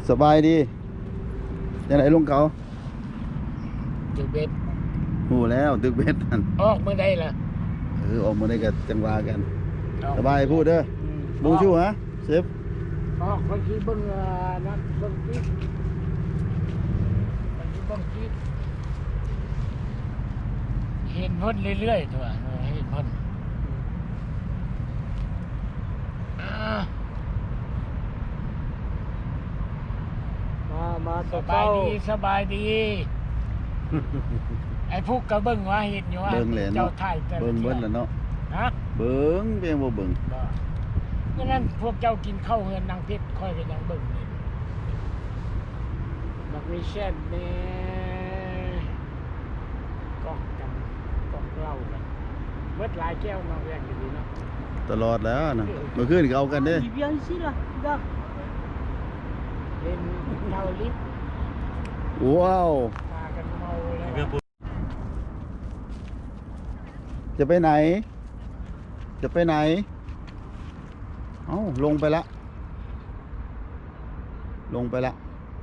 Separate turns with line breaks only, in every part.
สบายดียังไงลุงเขา
ตึกเบ็ด
หูแล้วตึกเบ็ดนั่น
ออกเมื่อใดล่ะ
ออกมาได้กับจังหวะกันสบายพูดเด้อบุงชูฮะเซฟ
ออกคนที่เบิ่งนักเบิ่งกิ๊กคนที่เบิ่งกิ๊กเห็นพ้นเรื่อยๆตัวเห็นพ้นมาสบายดีสบายดีไอ้พวกกระเบิ้งว่าเห็นอยู่ว่าเจ้าถ่ายแต่
เบิ้งเบิ้งแล้วเนาะ
ฮะ
เบิ้งเพียงบ่เบิ้ง
ดังนั้นพวกเจ้ากินข้าวเงินนางเพชรค่อยกันยังเบิ้งนี่บักวิเชนเนี่ยกอกกันกอกเหล้ากันเบิดหลายแก้วมาแยกอยู่ดีเนาะ
ตลอดแล้วนะเมื่อคืนก็เอากันเด้
เล่นเท่าลิฟ
ว้าว
พากันเมาเลย
จะไปไหนจะไปไหนเอ้าลงไปละลงไปละ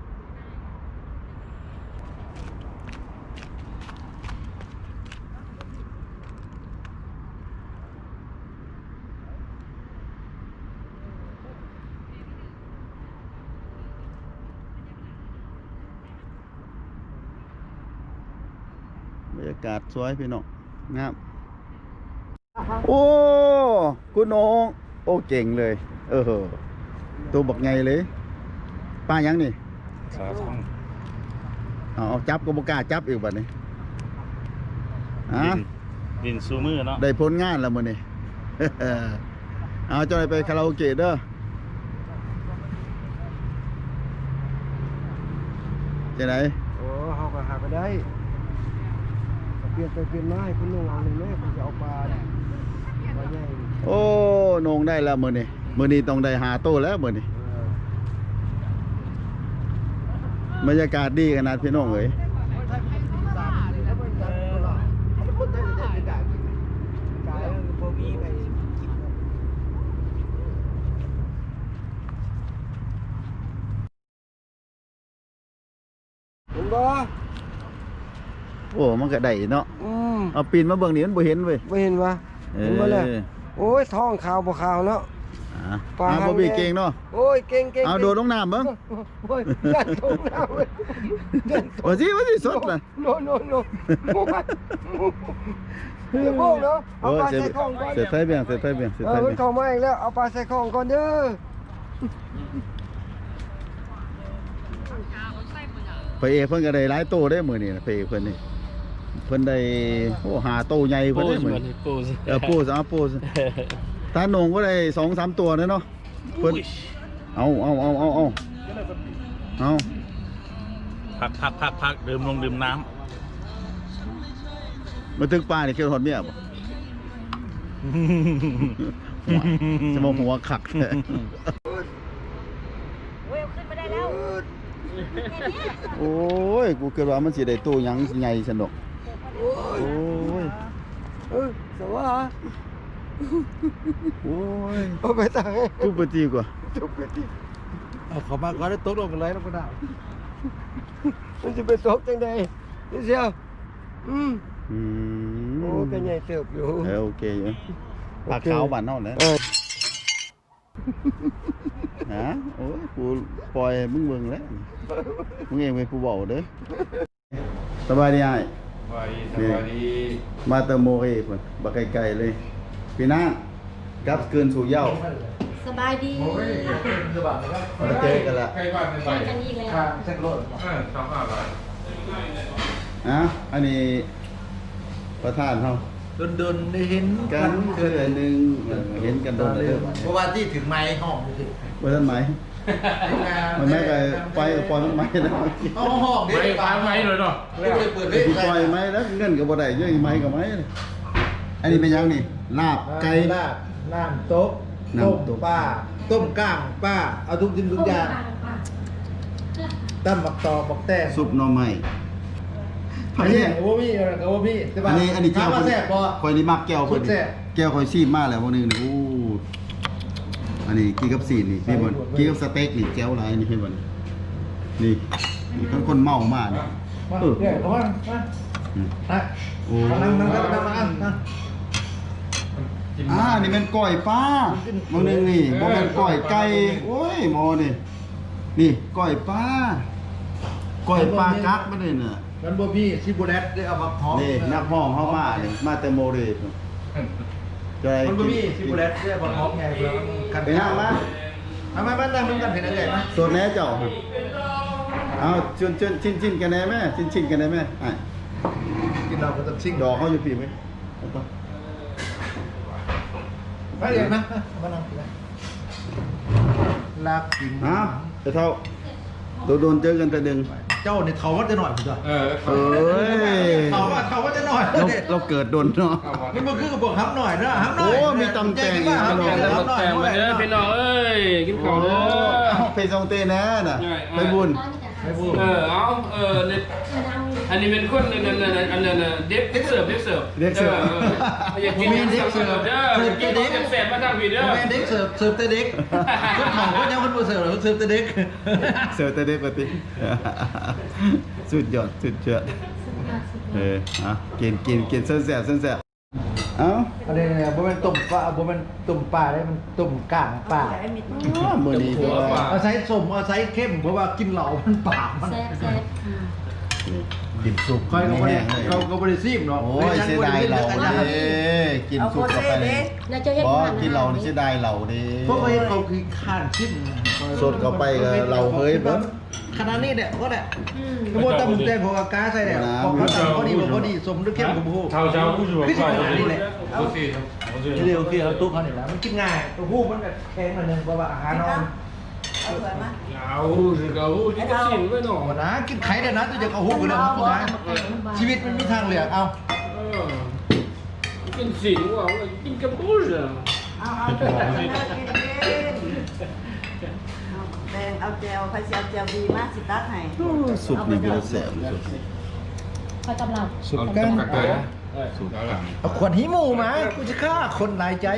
บรรยากาศสวยพี่น้องงามโอ้คุณน้องโอ้เก่งเลยตัวบักไงเลยป้ายังนี่
ขาท่อง
เอาจับก็บกล้าจับอีกบัดนี้
ดินซูมือเนาะ
ได้ผลงานแล้วมื้อนี้ เอาเจ้าไปคาราโอเกะเด้อจะไหน
โอ้เขาก็หาไปได้เปลี่ยนไปเปลี่ยนมาให้คุณลุงเอาเลยแม่ผมจะเอาปลาใหญ่
โอ้นงได้แล้วมื้อนี้ต้องได้หาโตแล้วมื้อนี้บรรยากาศดีขนาดพี่น้องเอ้ย
ผมบ่
โอ้มันก็ได้เนาะเอาปีนมาเบิ่งนี่มันบ่เห็นเว้ย
บ่เห็นวะเห็นบ่เลยโอ้ยท้องขาวบ่ขาวเนาะ
ปลาบ่มีเก่งเนาะ
โอ้ยเก่ง
เอาโดดลงน้ำเบิ่ง
โอ้ยยันลงน้ำเว้ย
ว่าสิสดล่ะ
โนเฮ้ยพวกเนาะเอาปลาใส่ข้องก่อน
เสร็จไทยเบี่ยง
มันเข้ามาอีกแล้วเอาปลาใส่ข้องก่อนเด้อ
ไปเอเพิ่นก็ได้หลายโตได้มื้อนี้นะไปเอเพิ่นนี่เพิ่นได้โอ้หาโตใหญ่เพิ่นได้มื้อปูสตาหนงก็ได้ 2-3 ตัวเนาะเพิ่นเอา
พักดื่มลงดื่มน้
ำมาตึกปลานี่เกี่ยวหอดเมียบ่จะมาหัวขัก
เว้ยขึ้นมาได้แล้ว
โอ้ยกูเกิดว่ามันสิได้ตู้ยังใหญ่สนุกโอ้ย
สวัสดี
โอ้ย
เอาไปตาย
ทุบไปตีกว่า
เอาขอมาก่อนได้ตกลงกันเลยแล้วก็ได้มันจะไปตกจังไดนี่เชียวโอ้ก็ใหญ่เติบอยู่
โอเคอยู่ปากขาวบ้านเฮาแหละฮะโอ้ยกูปล่อยมึงเบิ่งแล้วมึงเองเป็นกูบอกเด้อสบายดีไอ้
สบายดี
มาเตอร์โมเอเพิ่นบักไกลๆเลยพี่นางกับเกินสู่เหย้า
สบายดี
มาเจอกันละ
เจอกันอีกแล้ว
เส้นรถ
อันนี้ประธานเฮา
ดนได้เห็น
กันเทื่อนึงเห็นกันโดนเลย
เพราะว่าที่ถึงไม้ห้องนี่
บ่ทันไหมมันไม่ไปปล่อยมันไหมนะ
ห้อง
ไม่ปลาไม้เลยเนาะ
ปล่อยไหมแล้วเงินก็บ่ได้เยอะไหมก็ไหมอันนี้เป็นยังนี่ลาบไก่
น้ำโต๊ะต้มปลาต้มก้างปลาเอาทุกสิ่งทุกอย่างตั้มบักตอบักแต้
ซุปหน่อไม้
อันนี้โอ้พี่
อันนี้แก้วคอยนี่มักแก้วคนแก้วคอยซีดมากแล้วพวกนึงนี่โอ้อันนี้กินกับซีนนี่พี่บอลกินกับสเต็กนี่แก้วไรนี่พี่บอลนี่นี่คนเมามากนี่
มาเดี๋ยวเข้ามามา
โอ้
นั่งนั่ง
นี่เป็นก้อยปลาบางนึงนี่บ่เป็นก้อยไก่โอ้ยหมอนี่นี่ก้อยปลาก้อยปลากักบ่ได้น่ะ
งั้นบ่พี่ซิบูเรตได้เอามาพร้อม
นี่นักห้องเฮามานี่มาแต่โมเรศใจ
มันบ่พี่ซิบูเรตได้เอามาพร้อมไงเพื่อกัน
ไปนั่งมา
เอามานั่งดูกันเห็นอะไรมั้ย
ส่วนแหน่เจ้าเอาชิ้นกันได้ไหมชิ้นกันได้ไหมอ่ะ
กินเราก็ต้องซิ่ง
ดอกเขาอยู่ปีไหมเอาต่อ
ไปเดี๋ยวนะมานั่งกินลากกิน
อ้าวไอ้เท่าโดนเจอกันแต่ดึง
เจ้าเนี่ยเขาว่าจะหน่อยผมจ้ะ
เออ
เอ้ย
เขาว่าจะหน่อย
เราเกิดโดนเนาะ
นี่มันคือกับบอกห้ำหน่อยนะห้ำหน่อย
โอ้มีตำแตงอีก
ห้ำหน่อย
แล้ว
ห้ำหน่อย
แต่งมาเด้อพี่น้องเอ้ยกินข้าวเด้อ
เอาไปซองเตแน่น่ะไปบุญ
ไม่พูด
เนี่ยอันนี้เป็นคนอันนั้นเด็กเสิร์ฟอยากกินเด็กเสิร์ฟเด้อกินเด็กแสบมาทางวีเด้อ
แม่เด็กเสิร์ฟแต่เด็กคนเฒ่าคนยังคนบ่เสิร์ฟหรอกเสิร์ฟแต่เด็ก
เสิร์ฟแต่เด็กปฏิสุดยอดอ่ะกินเส้นแสบเอ้า
อันนี้เนี่ยบ่แม่นต้มปลาบ่แม่นต้มปลาได้มันต้มก้างปลา
มื้อนี้คือว่า
เอาใส่ส้มเอาใส่เข้มเพราะว่ากินเหล้ามันปากมัน
แซ่บแซ่บ
ดิบสุก
ใครก็บ่ได้เขาก็บ่ได้ซีมเนาะ
โอ้ยเสียดายเราเด้กินสุกเข้าไปเลย
น่าจะเห็น
บ่
ผ่าน
กินเรานี่เสียดายเราเด้
พวกเขาคือข้านซิม
สดเข้าไปก็เราเฮ้ยเบิ่ง
ขนาดนี้เนี่ยก็ได้ก็บ่ตำแต่พอกาใส่เนี่ยพอเขาตำพอดีบ่พอดีสมด้วยเข้มกับบ่ฮู้
เช้าผู้ช่วย
คือสิขนาดนี้แหละ
ผู้สี่
เดี๋ยวคือเอาตุ๊กเขานี่แหละมันกินง่ายตัวฮู้มันก็แข็งหน่อยนึงเพราะว่าอาหารนอน
เอาที่ก็สิ่งไว้หน่อ
บ่นะกินไข่ได้นะตัวจะเอาฮู้กันแล้วมันกินง่ายชีวิตมันมีทางเลือกเอา
กินสิ่งว่ากินกระปุกอ่ะ
แดงเอาแจวใครสิเอาแจวดีมากสิตักให้
สุกนี่เป็นแสบสุด
คอยกำลัง
สุดกัน
สุก
เอาขวดหิมูมากูจะฆ่าคนหลายใจ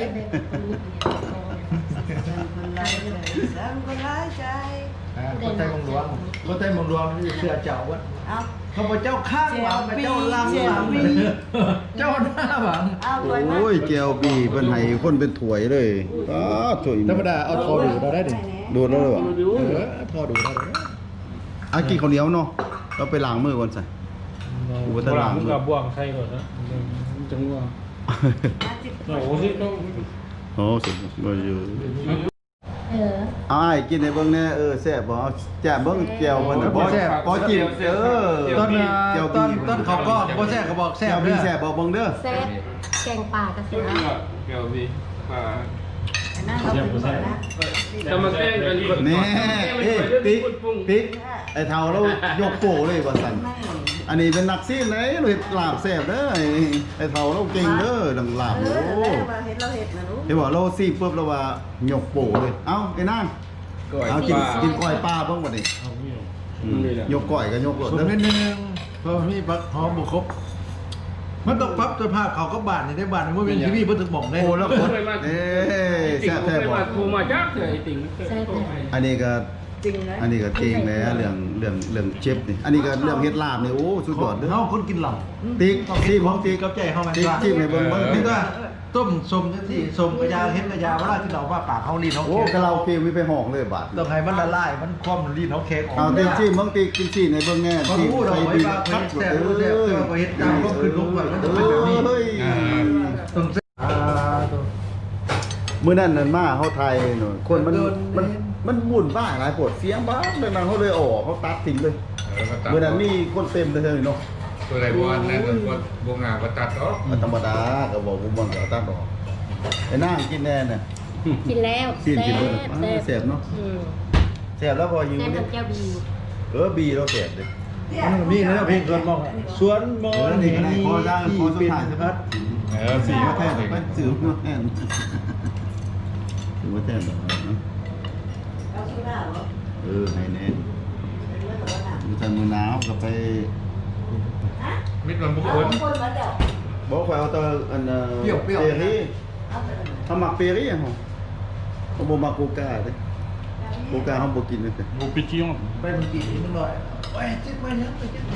คนร้ายใจสังคนร้ายใจ
คนไทยมงหลวงคนไทยมงหลวงนี่เสื้อเจ้าวัด
เอา
เขาบอกเจ้าข้างหวังเจ้าล่างหวังเจ้าหน้าหวัง
เอาถ้วยมา
โอ้ยแก้วบีเพิ่นให้คนเป็นถ้วยเลยถ้วย
ธรรมดาเอาทอดูเราได้ดิ
ดูดแล้วเลยวะ
ทอดูได้เลย
อ่ะกินข้าวเหนียวเนาะเราไปล้างมือก่อนใส่กูว่าจะล้างมือ
กับบ่วงใส่ก่อนนะจังหวะ
มาจิบ
โอ้สิต้อง
โอ้สุดบ่อยู่
เออ
อ้ายกินให้เบิ่งแน่แซ่บบ่เอาแจ่มเบิ่งแก้วเพิ่นน่ะบ่จิ้ม
ต้นเขาก็บ่แซ่บเขาบอกแซ่
แซ่
บบ
มี
เด้อ
แซ่บบ่เบิ่งเด้อ
แซ่บแกงป่ากระเสือ
เกี่ยวบีป่า
นั่งเราเป็นคนนะ
จะมาแกล้งกัน
แน่ปิ๊กไอ้เฒ่าเรายกโป้เลยว่าซั่น
ไม่
อันนี้เป็นนักซีนไหนเราเห็ดลาบแซ่บเด้อไอ้เฒ่าเราเก่งเด้อดังลาบ
เอ
โอ้
อเห็นเราเห็นนะรู้
เห็นบอกเราซีปุ๊บเราว่ายกโป้เลยเอ้าไอ้นางเอากินก้อยปลาเพิ่งวันนี้ยกก้อยก็ยกรถ
ส่วนนิดนึงเพราะมีบักหอมบุครบมันต้องปรับสภาพเขาก็บาดในได้บาดในว่าเป็นทีวีเพิ่นถึงบอกได้
โอ้แล้วคนแซ่บแซ่บบอก
ครูมาจักเลยติ่ง
แซ่บ
อันนี้ก็
จริงเลย
อันนี้ก็เก่งแล้วเรื่องเชฟนี่อันนี้ก็เรื่องเฮ็ดลาบนี่โอ้สุดยอดเด้อ
เฮาคนกินเหล้า
ติ๊กซีของติ๊ก
กับใจเฮาแม่น
ติ๊ก
ว่า
จิ้มให้เบิ่งเบิ่ง
นี่
ติ๊ก
ก็ต้มสมจังซี่สมกระยาเฮ็ดกระยาเวลาที่เราว่าปากเฮาลีนเฮา
โอ้กะเราเกมีไปห้องเลยบาด
ต้องให้มันละลายมันความลีนเฮาแข็งออก
เอาติ๊กจิ้มเบิ่งติ๊กกินซีในเบิ่งแน่
เขา
ติ๊ก
พูดเอาไว้
ดี
ว่า
คัด
แซ่บแซ่บแต่ว่าเฮ็ดตามก็คือลงไว้มันจะเป็นแบบนี้
เฮ้ย
ต้องแซ่บ
มื้อนั้นนั่นมาเฮาไทยหน่อยคนมันวุ่นบ้าหลายปวดเสียงบ้าดังนั้นเขาเลยออกเขาตัดทิ้งเลยเมื่อนั้นมีคนเต็มเลยเนาะ
ตัวไหนบ้านนั่นก็บวงงาก็ตัดออก
ธรรมดาก็บอกผมว่าเอาตัดออกไอ้นางกินแน่น่ะ
กินแล้ว
กิน
แซ่
กิน
บ
เบิ่ง
แซ่บ
แซ่บเนาะ
อืม
แซ่บแล้วพออยู่
แซ่บ
นี่
กับแก้วบี
บีเราแซ่บเด้
มีนะเพลงส่วนมองสวนมอ
นี่ก็ได้ขอจ้างขอสุด
เป็น
ท้ายสักพัก
สี
มาแทนไปซื้อมาแทนซื้อมาแทนดอกนะ
เอาสุดาเหรอ
ให้แน่
เป็นเรื่องตัวน่ะ
อยู่แต่มื้อหนาวก็ไป
ฮะ
มิตรมันบุค
เอา
คล
คนมาเดี๋ยว
บอกข่อยเอาแต่อันเปรี้ยว
เอาไปเลย
ทำหมักเปรี้ยวเหรอเขาบ่มักกูก้าเด้
เ
โปรกาเฮาบ่กินเลย
บุปิจิอง
ไปเมื่อกี้นิดหน่อยโอ้ยจิ๊บไปนะไปจิ๊บ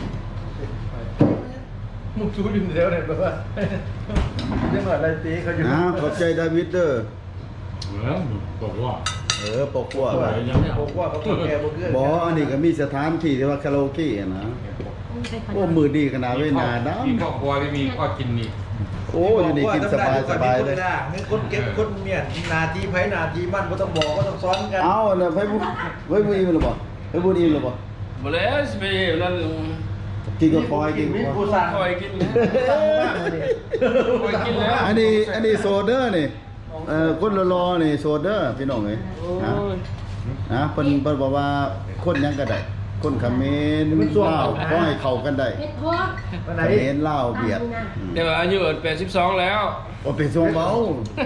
มุกชูดินเดียวเนี่ยแบบว่าจังหวัดอะไรตีเขาอยู่
ขอบใจดาวิดเด้อ
บอกว่า
ปกว่า
ผมว่าเขาแก่บ่เกิน
บ่อันนี้ก็มีสถานที่ที่ว่าคาราโอเกะนะโอ้มือดีขนาดเว้ยหนาดำ
มีครอบครัวที่มีข้อกินนี่
โอ้อยู่นี่กินสบายสบายเลย
นี่คนเก็บคนเนี่ยนาทีไผนาทีมันบ่ต้องบอกก็ต้องซ้อนกัน
เอาน่ะไปบุอิ่มหรือบ่ไปบุอิ่มหรือบ่
บ่แล้วสิไปนั่น
กินก็คอยกิน
มี
ก็
ผู้
คอย
สั่ง
คอยกินนะ
สั่งมากเลย
คอยกินแล้ว
อันนี้โซเดอร์นี่คนรอๆนี่โซเดอร์พี่น้องเอ้ย
โอ้
นะ
ย
เพิ่นบอกว่าคนหยังก็ได้คนเขมรลาวขอให้เข้ากันได้
เฮ็ดพอก
วันไหน
เขมรลาวเวียด
แต่ว่าอายุ82แล้ว
โอ้เป็นทรงเบา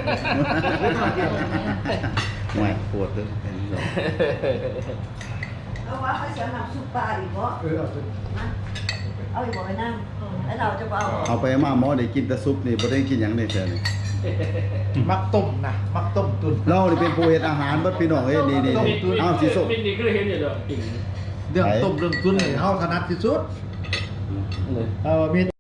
ไม่ปวดเลยเป็นทรง
เอาว่าเขาจะนำซุปปลาอีกบ่
เอาสิ
นะเอาอีกบ่ไปนั่งแล้วเราจะเอา
เอาไปมาหมอได้กินแต่ซุปนี่บ่ได้กินหยังได้แท้นี่
มักต้มนะมักต้มตุน
เรานี่เป็นผู้เฮ็ดอาหารเบิดพี่น้องเอ้ยนี่เอาสิสุ
มินนี่คือเห็นอยู่ดอกจริง
เรื่องต้มเรื่องตุนนี่เฮาถนัดที่สุดมี